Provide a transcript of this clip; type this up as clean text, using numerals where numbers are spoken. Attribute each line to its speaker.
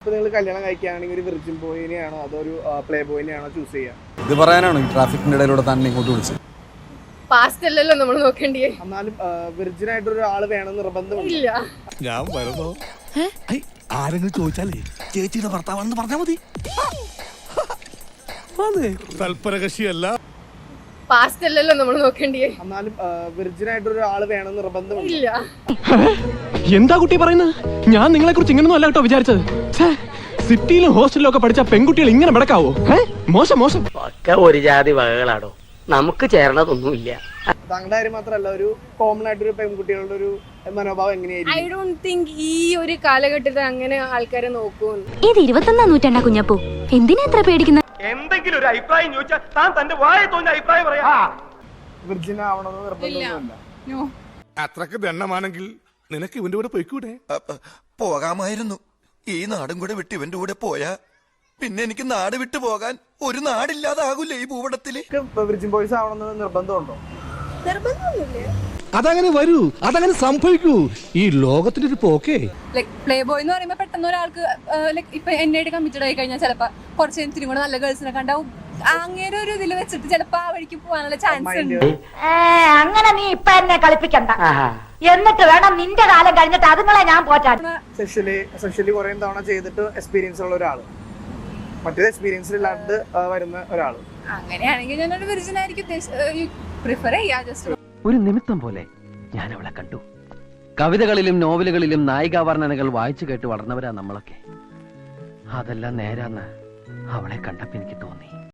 Speaker 1: ഇപ്പൊ നിങ്ങൾ കല്യാണം കഴിക്കുകയാണെങ്കിൽ ഒരു വിർജിൻ ബോയിനെയാണോ അതോ ഒരു പ്ലേ ബോയിനെയാണോ ചൂസ് ചെയ്യുക?
Speaker 2: ഇത് പറയാനാണോ ഈ ട്രാഫിക്കിന്റെ ഇടയിലൂടെ തന്നെ ഇങ്ങോട്ട് വിളിച്ചത്?
Speaker 3: പാസ്റ്റ് അല്ലല്ലോ നമ്മൾ നോക്കേണ്ടിയേ.
Speaker 1: എന്നാലും വിർജിൻ ആയിട്ട് ഒരാൾ വേണം നിർബന്ധമില്ല.
Speaker 4: ഞാൻ വരുന്നോ? ആരെങ്കിലും ചോദിച്ചാലേ ചേച്ചിയുടെ ഭർത്താവാണെന്ന് പറഞ്ഞാൽ മതി. തൽപരകക്ഷിയല്ല.
Speaker 3: പാസ്റ്റ് അല്ലല്ലോ നമ്മൾ നോക്കേണ്ടിയേ.
Speaker 1: എന്നാലും വിർജിൻ ആയിട്ട് ഒരാൾ വേണം നിർബന്ധമില്ല.
Speaker 5: എന്താ കുട്ടി പറയുന്നത്? ഞാൻ നിങ്ങളെ കുറിച്ച് ഇങ്ങനൊന്നും അല്ല കേട്ടോ വിചാരിച്ചത്. സിറ്റിയിലും ഹോസ്റ്റലിലും ഒക്കെ പഠിച്ച പെൺകുട്ടികൾ ഇങ്ങനെ നടക്കാവോ? മോശം മോശം.
Speaker 6: ഒക്കെ ഒരു ജാതി വകകളാണോ, നമുക്ക് ചേരണതൊന്നുമില്ല.
Speaker 1: താങ്കളുടെ കാര്യം മാത്രമല്ല, ഒരു കോമൺ ആയിട്ട് ഒരു പെൺകുട്ടികളുടെ ഒരു മനോഭാവം എങ്ങനെയായിരിക്കും?
Speaker 3: ഐ ഡോണ്ട് തിങ്ക് ഈ ഒരു കാലഘട്ടത്തിൽ അങ്ങനെ ആൾക്കാരെ നോക്കും.
Speaker 7: ഇത് 21-ാം നൂറ്റാണ്ടാ കുഞ്ഞപ്പൂ. എന്തിനാ എത്ര പേടിക്കുന്നത്?
Speaker 6: എന്തെങ്കിലും ഒരു അഭിപ്രായം ചോദിച്ചാൽ താൻ തന്റെ വായ തോന്നിയ അഭിപ്രായം പറയാ.
Speaker 1: വിർജിൻ ആവണമെന്ന് നിർബന്ധമൊന്നുമില്ല.
Speaker 4: അത്രക്ക് ദണ്ണമാണെങ്കിൽ നിനക്ക് ഇവന്റെ കൂടെ പോയിക്കൂടെ?
Speaker 8: പോകാമായിരുന്നു. ഈ നാടും കൂടെ വിട്ട് ഇവന്റെ കൂടെ പോയാ പിന്നെ എനിക്ക് നാട് വിട്ടു പോകാൻ ഒരു നാടില്ലാതാകൂലേ ഈ ഭൂപടത്തില്.
Speaker 1: വിർജിൻ ബോയ്സ് ആവണമെന്ന് നിർബന്ധമുണ്ടോ?
Speaker 4: അതങ്ങനെ വരൂ, അതങ്ങനെ സംഭവിക്കൂ. ഈ ലോകത്തിന്റെ ഒരു പോക്കേ.
Speaker 9: പ്ലേ ബോയ് എന്ന് പറയുമ്പോൾ പെട്ടെന്ന് ഒരാൾക്ക് ഇപ്പൊ എന്നോട് കമ്മിറ്റഡ് ആയി കഴിഞ്ഞാൽ ചിലപ്പോ കുറച്ച് ഇത്തിരി കൂടെ നല്ല ഗേൾസിനെ കണ്ടാവും അങ്ങനെ ഒരു ഇതിൽ വെച്ചിട്ട് ചിലപ്പോ ആ വഴിക്ക് പോകാനുള്ള ചാൻസ് ഉണ്ട്.
Speaker 7: അങ്ങനെ നീ ഇപ്പൊ എന്നെ കളിപ്പിക്കണ്ട. എന്നിട്ട് വേണം നിന്റെ കാലം കഴിഞ്ഞിട്ട് അതുങ്ങളെ ഞാൻ പോറ്റാൻ.
Speaker 1: സെക്ഷലി കുറെ തവണ ചെയ്തിട്ട് എക്സ്പീരിയൻസ് ഉള്ള ഒരാള്, മറ്റേത് എക്സ്പീരിയൻസ് ഇല്ലാണ്ട് വരുന്ന ഒരാള്.
Speaker 9: അങ്ങനെയാണെങ്കിൽ ഞാനൊരു വിർജിൻ ആയിരിക്കും പ്രിഫർ ചെയ്യാ. ജസ്റ്റ്
Speaker 6: ഒരു നിമിത്തം പോലെ ഞാൻ അവളെ കണ്ടു. കവിതകളിലും നോവലുകളിലും നായികാവർണ്ണനകൾ വായിച്ചു കേട്ട് വളർന്നവരാ നമ്മളൊക്കെ. അതെല്ലാം നേരാന്ന് അവളെ കണ്ടപ്പോ എനിക്ക് തോന്നി.